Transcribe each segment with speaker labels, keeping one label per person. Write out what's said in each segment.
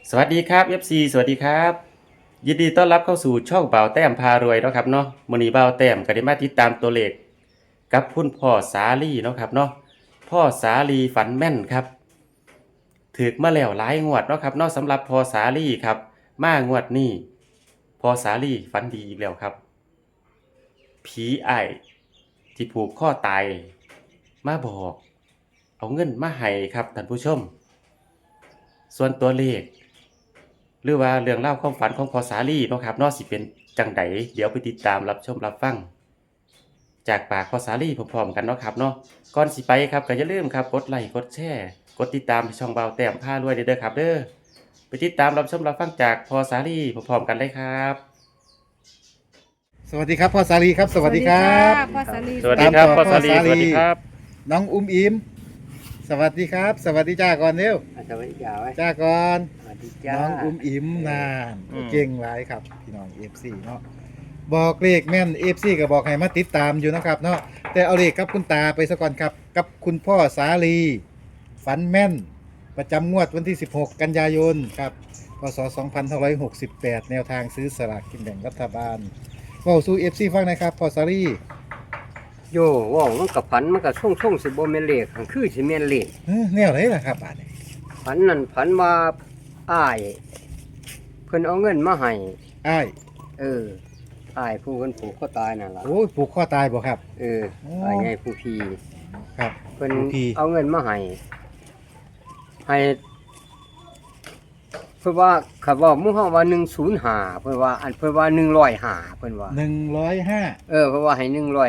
Speaker 1: สวัสดีครับ FC สวัสดีครับยินดีต้อนรับเข้าสู่ช่องเบาแต้มพารวยเนาะครับเนาะมื้อนี้เบาแต้มก็ได้มาติดตามตัวเลขกับคุณพ่อสาลีเนาะครับเนาะพ่อสาลีฝันแม่นครับถูกมาแล้วหลายงวดเนาะครับเนาะสำหรับพ่อสาลีครับมางวดนี้พ่อสาลีฝันดีอีกแล้วครับผีอ้ายที่ผูกคอตายมาบอกเอาเงินมาให้ครับท่านผู้ชมส่วนตัวเลข หรือว่าเรื่องเล่าวความฝันของพอสาลีเนาะครับเนาะสิเป็นจังไดเดี๋ยวไปติดตามรับชมรับฟังจากปากพอสาลีพร้อมๆกันเนาะครับเนาะก่อนสิไปครับก็อย่าลืมครับกดไลค์กดแชร์กดติดตามช่องเบาแต้มพารวยเด้อครับเด้อไปติดตามรับชมรับฟังจากพอสาลีพร้อมๆกันเลยครับ
Speaker 2: สวัสดีครับพ่อสาลีครับสวัสดีครับ
Speaker 3: พ่อสาลี
Speaker 1: สวัสดีครับ
Speaker 2: ตามต่อ
Speaker 1: พ่อสาลี
Speaker 2: พ่อสาลี
Speaker 1: สวัสดีครับ
Speaker 2: น้องอุ้มอิมสวัสดีครับ สวัสดีจ้าก่อนเร็ว
Speaker 4: สวัสดีจ้าไว้
Speaker 2: จ้าก่อน
Speaker 4: สวัสดีจ้า
Speaker 2: น้องอุ้มอิมนาน
Speaker 1: อืม
Speaker 2: เก่งหลายครับพี่น้อง FC เนาะบอกเลขแม่น FC ก็บอกให้มาติดตามอยู่นะครับเนาะแต่เอาเลขกับคุณตาไปซะก่อนครับกับคุณพ่อสาลีฝันแม่น ประจำงวดวันที่ 16 กันยายนครับพศ2568 แนวทางซื้อสลากกินแบ่งรัฐบาลเว้าสู่ FC ฟังหนะครับพ่อสาลี
Speaker 4: โย่ว่าวมันกับฝันมันกับช่วงสิบ่แม่นเลขหั้นคือสิแม่นเลข
Speaker 2: แนวไหนล่ะครับบาดนี้
Speaker 4: ฝันนั่นฝันว่าอ้ายเพิ่นเอาเงินมาให้
Speaker 2: อ้าย
Speaker 4: เอออ้ายผู้เพิ่นผูกคอตายนั่นล่ะ
Speaker 2: โอ้ยผูกคอตายบ่ครับ
Speaker 4: เออ
Speaker 2: โอ้
Speaker 4: อ้ายใหญ่ผู้พี
Speaker 2: ครับ
Speaker 4: เพิ่น
Speaker 2: ผู้พี่
Speaker 4: เอาเงินมาให้เพิ่นว่าเขาว่าหมู่เฮาว่า105เพิ่นว่าอันเพิ่นว่า105เพิ่นว่า
Speaker 2: 105
Speaker 4: เออเพิ่นว่าให้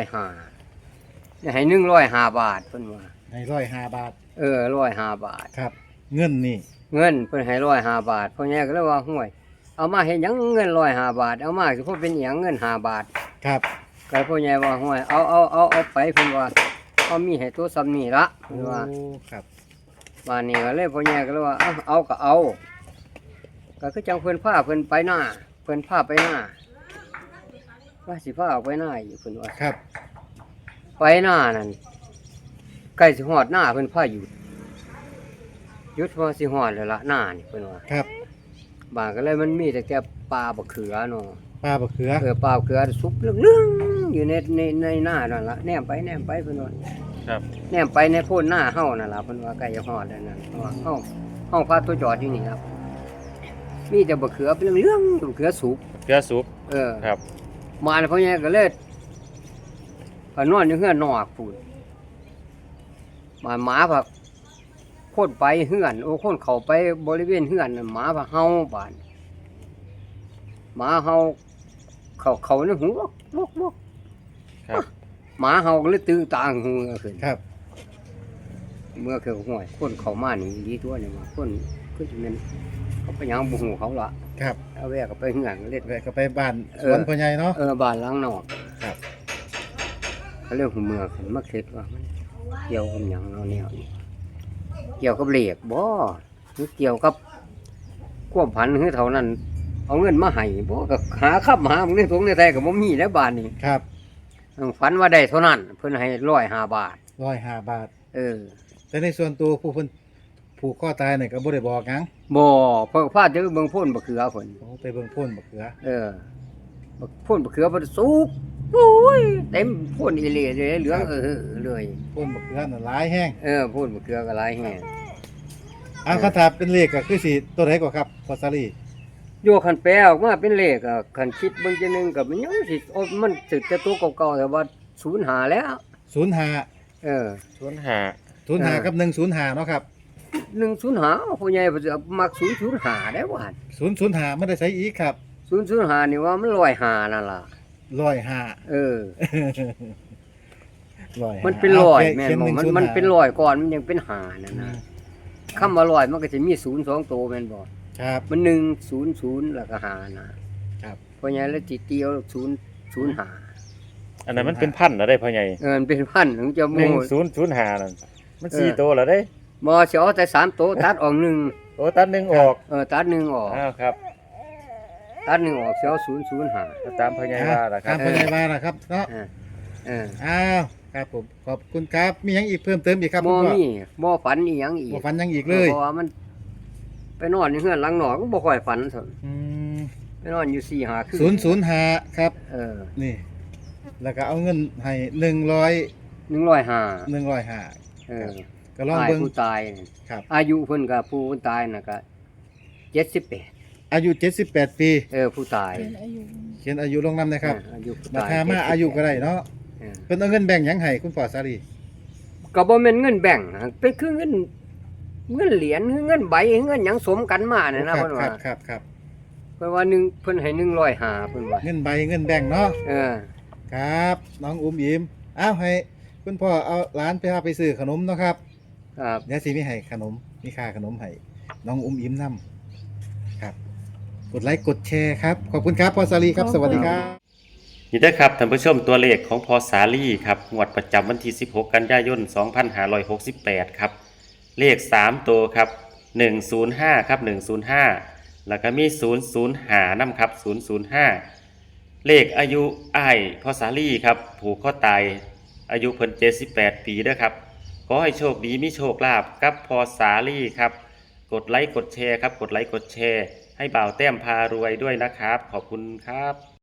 Speaker 4: 105ให้105บาทเพิ่นว่า
Speaker 2: ใน105 บาท
Speaker 4: เออ105บาท
Speaker 2: ครับ เงินนี่
Speaker 4: เงินเพิ่นให้105บาทพ่อใหญ่ก็เลยว่าห่วยเอามาเฮ็ดหยังเงิน105บาทเอามาสิพอเป็นหยังเงิน5บาท
Speaker 2: ครับ
Speaker 4: ก็พ่อใหญ่ว่าห่วยเอาไปเพิ่นว่าเอามีให้ตัวซ้ำนี่ละเพิ่นว่า
Speaker 2: โอ้ครับ
Speaker 4: บ้านนี้ก็เลยพ่อใหญ่ก็เลยว่าเอาก็เอาก็คือจังเพิ่นพาเพิ่นไปหน้าเพิ่นพาไปหน้าว่าสิพาออกไปหน้าอยู่เพิ่นว่า
Speaker 2: ครับ
Speaker 4: ไปหน้านั่นใกล้สิฮอดหน้าเพิ่นพาหยุดพอสิฮอดแล้วละหน้านี่เพิ่นว่า
Speaker 2: ครับ
Speaker 4: บ้านก็เลยมันมีแต่แค่ปลาบักเขือเนาะ
Speaker 2: ปลาบะเขือ
Speaker 4: ปลาบักเขือสุกเรื่องๆอยู่ในหน้านั่นล่ะแนมไปเพิ่นว่า
Speaker 1: ครับ
Speaker 4: แนมไปในโพนหน้าเฮานั่นล่ะเพิ่นว่าใกล้จะฮอดแล้วนั่นเพราะว่าเฮาพาตัวจอดอยู่นี่ครับ มีแต่บักเขือเป็นเรื่องๆบักเขือสุก
Speaker 1: เกลือสุก
Speaker 4: เออ
Speaker 1: ครับ
Speaker 4: มาแล้วพ่อใหญ่ก็เลยพานอนอยู่เฮือนนอกพูนมาหมาผักคนไปเฮือนโอ้คนเข้าไปบริเวณเฮือนน่ะหมาผักเฮาบานหมาเฮาเขาในหูวก
Speaker 1: ครับ
Speaker 4: หมาเฮาก็เลยตื่นตาหูขึ้น
Speaker 2: ครับ
Speaker 4: เมื่อคือห่วยคนเข้ามานี่ดีตัวนี่มาคนคือสิแม่นเขาไปหยังบ่ฮู้เขาละ
Speaker 2: ครับ
Speaker 4: เอาแวกก็ไปเฮือนเล่น
Speaker 2: แวะก็ไปบ้านสวนพ่อใหญ่เนาะ
Speaker 4: บ้านหลังนอก
Speaker 2: ครับ
Speaker 4: เขาเรียกหูเมือกมาคิดว่ามันเกี่ยวกับหยังเราเนี่ยนี่เกี่ยวกับเหล็กบ่หรือเกี่ยวกับความผันคือเท่านั้น เอาเงินมาให้บ่ก็หาขับหาในถุงในไทยก็บ่มีแล้วบาทนี่
Speaker 2: ครับ
Speaker 4: ฝันว่าได้เท่านั้น เพิ่นให้105บาท
Speaker 2: 105 บาท
Speaker 4: เออ
Speaker 2: แต่ในส่วนตัวผู้เพิ่นผูกคอตายนี่ก็บ่ได้บอกหยัง
Speaker 4: บ่เพิ่นพาเจอเบิ่งโพ่นบักเขือเพิ่น
Speaker 2: โอ้ไปเบิ่งโพ่นบะเขือ
Speaker 4: เออบักโพ่นบักเขือเพิ่นสุกโอ้ยเต็มโพ่นอีหลีเลยเหลืองเลย
Speaker 2: โพ่นบะเขือน่ะหลายแห้ง
Speaker 4: โพ่นบักเขือก็หลายแฮง
Speaker 2: คาถาเป็นเลขก็คือสิตัวไหนกว่าครับพ่อสาลี
Speaker 4: โยคันแปลออกมาเป็นเลขอ่ะคันคิดเบิ่งจังหนึงก็มันยังสิโอ้มันสิแต่ตัวเก่าๆแต่ว่า05แล้ว
Speaker 2: 05
Speaker 4: เออ
Speaker 1: ศูนย์หา
Speaker 2: 05กับ105เนาะครับ
Speaker 4: 105ผู้ใหญ่เพิ่นสิเอามัก005ได้ว่าหั่น
Speaker 2: 005ไม่ได้ใช้อีกครับ
Speaker 4: 005นี่ว่ามัน105นั่นล่ะ
Speaker 2: 105
Speaker 4: เออ
Speaker 2: 105
Speaker 4: มันเป็นร้อยแม่น
Speaker 2: เขีย
Speaker 4: บ่มัน
Speaker 2: 105
Speaker 4: มันเป็นร้อยก่อนมันยังเป็นหานั่น
Speaker 2: อื
Speaker 4: นะ
Speaker 2: ม
Speaker 4: คำว่าร้อยมันก็จะมี0 2ตัวแม่นบ่
Speaker 2: ครับ
Speaker 4: มัน100แล้วก็หานะครับ ผู้ใหญ่แล้วสิเตียว005
Speaker 1: อันนั้นมันเป็นพันแล้วได้พ่อใหญ่
Speaker 4: มันเป็นพันถึงจะ
Speaker 1: หนึ่
Speaker 4: โม่
Speaker 1: งศูนย์ศูนย์หานั่นมันสี่ตัวแล้วได้
Speaker 4: บ่สิเอาแต่3ตัวตัดออกหนึ่ง
Speaker 1: โอ้ตัดหนึ่งออก
Speaker 4: ตัดหนึ่งออก
Speaker 1: อ้าวครับ
Speaker 4: ตัดหนึ่งออกเสียว005
Speaker 1: ก็ตามพ่อใหญ่ว่าล่ะค
Speaker 2: ตา
Speaker 1: รับ
Speaker 2: มพ่อใหญ่ว่าล่ะครับเนาะ
Speaker 4: เออเออ
Speaker 2: อ้าวครับผมขอบคุณครับมีหยังอีกเพิ่มเติมอีกครับ
Speaker 4: บ่
Speaker 2: คุณพ่อ
Speaker 4: มีบ่ฝันอีหยังอีก
Speaker 2: บ่ฟันหยังอีกเลย
Speaker 4: เพราะว่ามันไปนอนอยู่เฮือนหลังนอกก็บ่ค่อยฝันซั่น
Speaker 2: อืม
Speaker 4: ไปนอนอยู่4-5คืน
Speaker 2: 005ครับ
Speaker 4: เออ
Speaker 2: นี่ แล้วก็เอาเงินให้100
Speaker 4: 105
Speaker 2: 105
Speaker 4: เออ
Speaker 2: ก็ลอง
Speaker 4: ตาย
Speaker 2: เบิ่ง
Speaker 4: ผู้ตายนี่
Speaker 2: ครับ
Speaker 4: อายุเพิ่นก็ผู้ตายน่ะก็78
Speaker 2: อายุ78 ปี
Speaker 4: ผู้ตาย
Speaker 2: เขียนอายุลงนำนะครับ
Speaker 4: อายุผู้
Speaker 2: มา
Speaker 4: ตาย
Speaker 2: ถามมาอายุก็ได้เนาะ
Speaker 4: เออ
Speaker 2: เพิ่นเอาเงินแบ่งหยังให้คุณพ่อสาลี
Speaker 4: ก็บ่แม่นเงินแบ่งค์นะเป็นคือเงินเหรียญเงินใบเงินหยังสมกันมาน่ะนะเพิ่น
Speaker 2: ครั
Speaker 4: ว่า
Speaker 2: บครับครับ
Speaker 4: เพิ่นว่าหนึ่งเพิ่นให้105เพิ่นว่า
Speaker 2: เงินใบเงินแบ่งเนาะ
Speaker 4: เออ
Speaker 2: ครับ น้องอุ้มยิ้มอ้าวให้คุณพ่อเอาร้านไปพาไปซื้อขนมเนาะครับ
Speaker 4: ครับ
Speaker 2: เดี๋ยวสิมีให้ขนมมีค่าขนมให้น้องอุ้มยิ้มนํครับ กดไลค์กดแชร์ครับขอบคุณครับพ่อสาลีครับสวัสดีครับ
Speaker 1: นี่เด้อครับท่านผู้ชมตัวเลขของพอสาลีครับงวดประจำวันที่ 16 กันยายน 2568 ครับ เลข 3 ตัวครับ 105 ครับ 105 แล้วก็มี 005นำครับ 005 เลขอายุอ้ายพอสาลีครับ ผูกข้อตาย อายุเพิ่น78 ปีเด้อครับ ขอให้โชคดีมีโชคลาภกับพอสาลีครับ กดไลค์กดแชร์ครับ กดไลค์กดแชร์ ให้บ่าวแต้มพารวยด้วยนะครับ ขอบคุณครับ